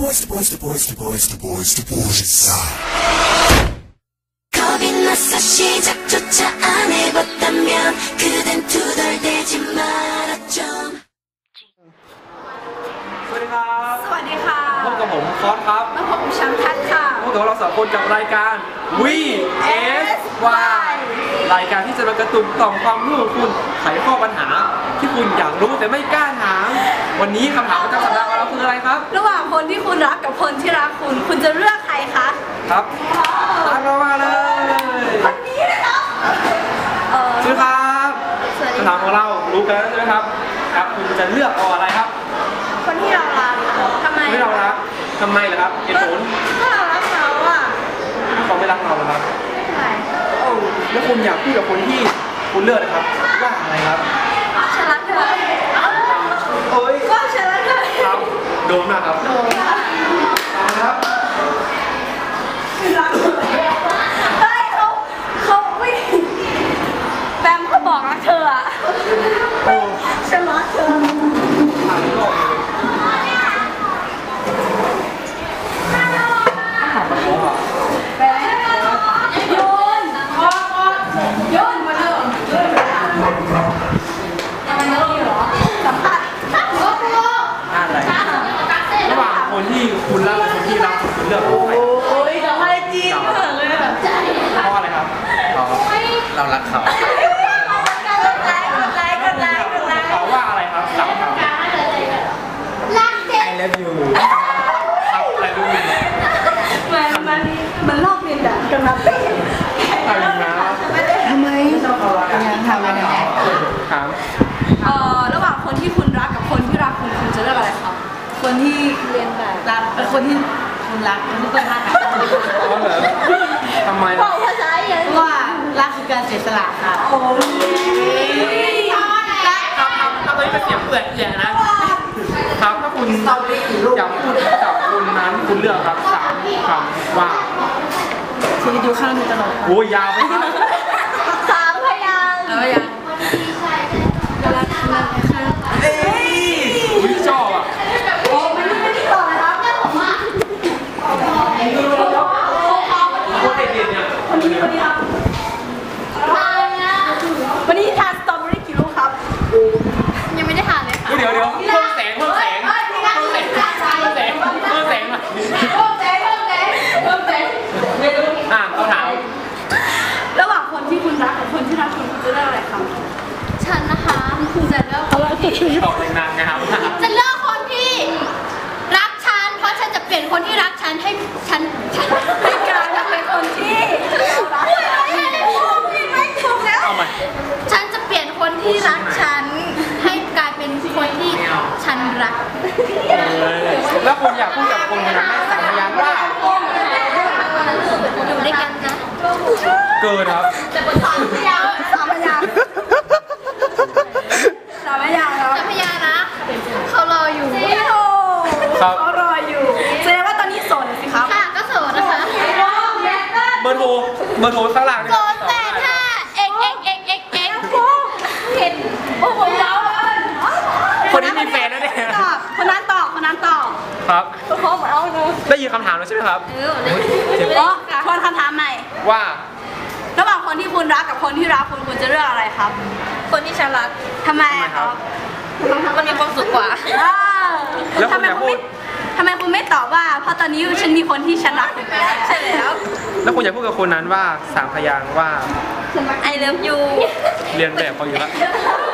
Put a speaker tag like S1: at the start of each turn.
S1: 겁이 나서 시작조차 안 해봤다면 그댄 투덜대지 말았죠.
S2: สวัสดีครับ
S3: สวัสดีค่ะ
S2: พบกับผมคอสครับ
S3: มาพบกับฉันทัศน์ค่ะ
S2: พบกับเราสองคนกับรายการ VSY รายการที่จะมากระตุ้นต่อมความรู้ของคุณไขข้อปัญหาที่คุณอยากรู้แต่ไม่กล้าถามวันนี้คำถามประจำสัปดาห์ของเราคืออะไรครับ
S3: ระหว่างคนที่คุณรักกับคนที่รักคุณ คุณจะเลือกใครคะ
S2: ครับตามเรามาเลย
S3: คนนี้นะครับ
S2: ชื่อครับคำถามของเรารู้กันแล้วใช่ไหมครับครับคุณจะเลือกเอาอะไรครับ
S3: คนที่เรารักทำไม
S2: ไม่เรารักทำไมล่ะครับเหตุผล
S3: ถ้าเรารักเขาอ่ะ
S2: เขาไม่รักเราเหรอครับ
S3: ใช่
S2: โอ้แล้วคุณอยากพูดกับคนที่คุณเลือกนะครับว่าอะไรครับ
S3: ฉันรักเธอ
S2: โอ้ย
S3: ก็ฉันรักเธอ
S2: ครับโดนนะครับโดนครับ
S3: รักเธอเฮ้ยเขาไม่แบมเขาบอกรักเธออ่ะ
S2: โอ้
S3: ฉันรักเธอ
S2: ทางโลกเลยถามแบบนี้อ่ะ
S3: ไปโยนโยนมาเถอะทำไมไม่รู้เหรอสัมภาษณ์
S2: อะไรระหว่างคนที่คุณรักกับคนที่รักคุณเลือกใคร
S3: โอ้ยสัมภาษณ์จีนเหมือนเลยแบบใจ
S2: เพราะอะไรครับเรารักเขา
S3: กดไลค์
S2: เขาว่าอะไรครับสามคำ
S3: รักเด็ก
S2: I love you ครับอะไรรู้ไหม
S3: มันลอกเรียนแบบกันมา
S2: อะไรนะ
S3: ทำไม
S2: ยังทำอะไรเนี่ยถาม
S3: ระหว่างคนที่คุณรักกับคนที่รักคุณคุณจะเลือกอะไรครับคนที่เรียนแบบรักคนที่คุณรักคนที่คุณรัก
S2: เพราะเหรอทำไม
S3: บอกภาษาอย่างว่ารักคือการเสียสละค่ะโอ้ย
S2: ครับตอนนี้เป็นเสียงเปื่อยแย่นะครับถ้าคุณอยากพูดกับคนนั้นคุณเลือกครับสามคำว่า
S3: ชีวิตดูข้างนึงตลอด
S2: โอ้ยยาวไปครับ
S3: สามพยางค์
S2: เอ้ยอุ้ยชอบอ่ะ
S3: โอ้ไม่ได้ต่อเลยครับเนี่ยผมว่า
S2: คนเด็กๆเนี่ย
S3: คนนี้ครับวันนี้ทานสตรอเบอรี่กี่ลูกครับยังไม่ได้ทานเลยค่ะ
S2: เดี๋ยวเพิ่มแสงมาเขาถาม
S3: ระหว่างคนที่คุณรักกับคนที่รักคุณจะเลือกอะไรครับ
S4: ฉันนะคะจะเลือกคนที่
S2: ตอบนางๆนะครับ
S4: จะเลือกคนที่รักฉันเพราะฉันจะเปลี่ยนคนที่รักฉันให้ฉัน
S3: ให้การเป็นคนที่รัก
S4: ไม่ถูกแล้ว
S2: เอาใหม่
S4: ฉันจะเปลี่ยนคนที่รักฉันให้กลายเป็นคนที่ฉันรัก
S2: แล้วคุณอยากพูดกับคนคนนั้นสามพยางค์ว่า
S4: อยู่ด้วยกันนะ
S2: เกินครับ
S3: สามพยางค์สามพยางค์แล้ว
S4: จะพยานะเขารออยู่
S2: ครับ
S3: เขารออยู่แสดงว่าตอนนี้โสดสิครับ
S4: ค่ะก็โสดนะคะ
S2: เบอร์โทรข้างหลัง
S4: โสด85 x
S3: เห็นโอ้โหยาวเลย
S2: คนนี้มีแฟนแล้วเนี่ย
S3: คนนั้นตอบ
S2: ครับ
S3: เขาเหมือนเอาเนอะ
S2: ได้ยินคำถามแล้วใช่ไหมครับ
S3: เจ็บทวนคำถามใหม่
S2: ว่า
S3: ระหว่างคนที่คุณรักกับคนที่รักคุณคุณจะเลือกอะไรครับ
S4: คนที่ฉันรัก
S3: ทำไมครับ
S4: มันมีความสุขกว่า
S2: แล้วคุณอยากพูด
S3: ทำไมคุณไม่ตอบว่าเพราะตอนนี้ฉันมีคนที่ฉันรักอยู่แล้วใช่แล้ว
S2: แล้วคุณอยากพูดกับคนนั้นว่าสามพยางค์ว่า
S4: I love you
S2: เรียนแบบเขาอยู่แล้ว